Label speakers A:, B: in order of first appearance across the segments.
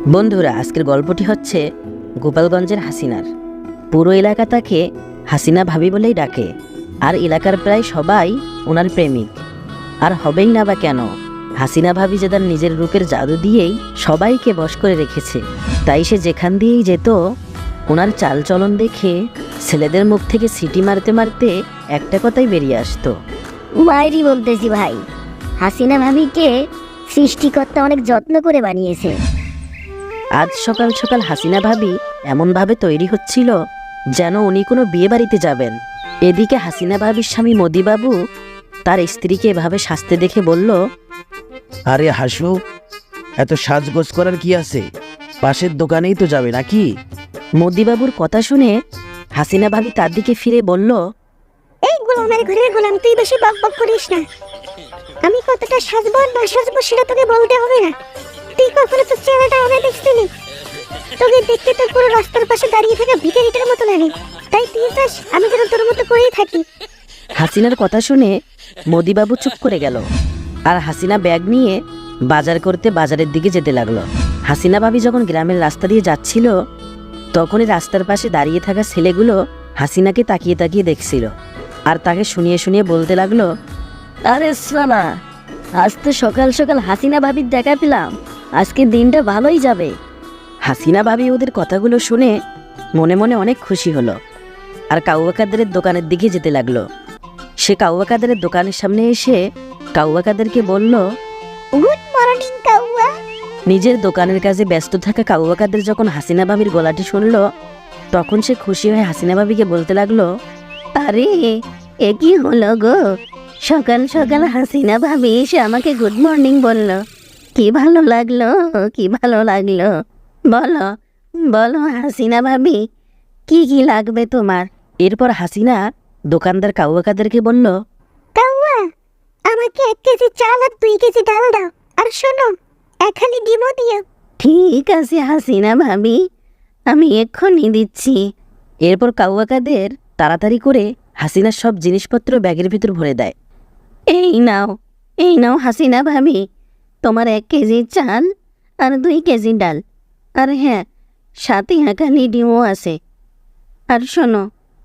A: বন্ধুরা, আজকের গল্পটি হচ্ছে গোপালগঞ্জের হাসিনার। পুরো এলাকা তাকে হাসিনা ভাবি বলেই ডাকে, আর এলাকার প্রায় সবাই ওনার প্রেমিক। আর হবেই না বা কেন? হাসিনা ভাবি যে তার নিজের রূপের জাদু দিয়েই সবাইকে বশ করে রেখেছে। তাই সে যেখান দিয়েই যেত, ওনার চালচলন দেখে ছেলেদের মুখ থেকে সিটি মারতে মারতে একটা কথাই বেরিয়ে আসতো,
B: মায়েরই বলতেছি ভাই, হাসিনা ভাবিকে সৃষ্টিকর্তা অনেক যত্ন করে বানিয়েছে।
A: আজ সকাল সকাল হাসিনা ভাবি এমনভাবে তৈরি হচ্ছিল যেন উনি কোনো বিয়ে বাড়িতে যাবেন। এদিকে হাসিনা ভাবির স্বামী মোদিবাবু তার স্ত্রীকে এভাবে সাজতে দেখে বলল,
C: আরে হাসু, এত সাজগোজ করার কি আছে? পাশের দোকানেই তো যাবে নাকি?
A: মোদিবাবুর কথা শুনে হাসিনা ভাবি তার দিকে ফিরে বলল,
B: এই গোলামের ঘরের গোলাম, তুই বেশি বকবক করিস না। আমি কতটা সাজবো আর না সাজবো সেটা তোকে বলতে হবে না। তুই কখনো তোর চেহারাটা আগে দেখছিলি? তোকে দেখতে তো পুরো রাস্তার পাশে দাঁড়িয়ে থাকা ভিখারিটার মতো লাগে। তাই তুই চাস আমি যেন তোর মতো করেই থাকি।
A: হাসিনার কথা শুনে মোদিবাবু চুপ করে গেল, আর হাসিনা ব্যাগ নিয়ে বাজার করতে বাজারের দিকে যেতে লাগলো। হাসিনা ভাবি যখন গ্রামের রাস্তা দিয়ে যাচ্ছিল, তখনই রাস্তার পাশে দাঁড়িয়ে থাকা ছেলেগুলো হাসিনাকে তাকিয়ে তাকিয়ে দেখছিল, আর তাকে শুনিয়ে শুনিয়ে বলতে লাগলো,
B: আরে সোনা, আজ তো সকাল সকাল হাসিনা ভাবির দেখা পেলাম, আজকে দিনটা ভালোই যাবে।
A: হাসিনা ভাবি ওদের কথাগুলো শুনে মনে মনে অনেক খুশি হলো, আর কাউয়া কাদেরের দোকানের দিকে যেতে লাগলো। সে কাউয়া কাদেরের দোকানের সামনে এসে কাউয়া কাদেরকে বলল,
B: গুড মর্নিং কাউয়া।
A: নিজের দোকানের কাজে ব্যস্ত থাকা কাউয়া কাদের যখন হাসিনা ভাবির গলাটি শুনল, তখন সে খুশি হয়ে হাসিনা ভাবিকে বলতে লাগলো,
B: আরে এ কি হলো গো? সকাল সকাল হাসিনা ভাবি এসে আমাকে গুড মর্নিং বলল। কি ভালো লাগলো, কি ভালো লাগলো। বলো বলো হাসিনা ভাবি, কি কি লাগবে তোমার?
A: এরপর হাসিনা দোকানদার কাউয়া কাদেরকে বলল,
B: কাউয়া, আমাকে 1 কেজি চাল আর 2 কেজি ডাল দাও, আর শোনো, এখানে ডিমও দিও। ঠিক আছে হাসিনা ভাবি, আমি এক্ষুনি দিচ্ছি।
A: এরপর কাউয়া কাদের তাড়াতাড়ি করে হাসিনার সব জিনিসপত্র ব্যাগের ভিতর ভরে দেয়।
B: এই নাও হাসিনা ভাবি, তোমার 1 কেজি চাল আর 2 কেজি ডাল, আর হ্যাঁ, সাথে এখানে ডিমও আছে। আর শোনো,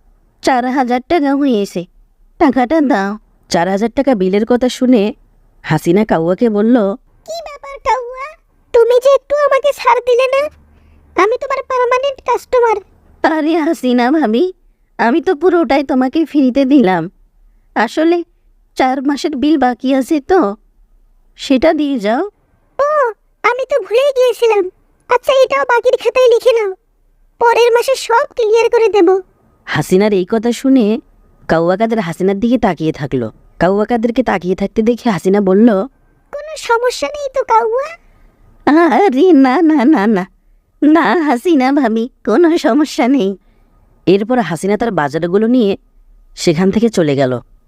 B: 4,000 টাকা হয়েছে, টাকাটা দাও।
A: 4,000 টাকা বিলের কথা শুনে হাসিনা কাউয়াকে বলল,
B: কি ব্যাপার কাউয়া, তুমি যে একটু আমাকে ছাড় দিলে না? আমি তোমার পার্মানেন্ট কাস্টমার। আরে হাসিনা ভাবি, আমি তো পুরোটাই তোমাকে ফ্রিতে দিলাম। আসলে 4 মাসের বিল বাকি আছে তো, সেটা দিয়ে যাও। ও, আমি তো ভুলেই গিয়েছিলাম। আচ্ছা, এটাও বাকির খাতায় লিখে নাও, পরের মাসে সব ক্লিয়ার করে দেব।
A: হাসিনার এই কথা শুনে কাউয়া কাদের হাসিনার দিকে তাকিয়ে থাকলো। কাউয়া কাদেরকে তাকিয়ে থাকতে দেখে হাসিনা বলল,
B: কোনো সমস্যা নেই তো কাউয়া? আরে না না না না না হাসিনা ভাবি, কোনো সমস্যা নেই।
A: এরপর হাসিনা তার বাজারগুলো নিয়ে সেখান থেকে চলে গেল।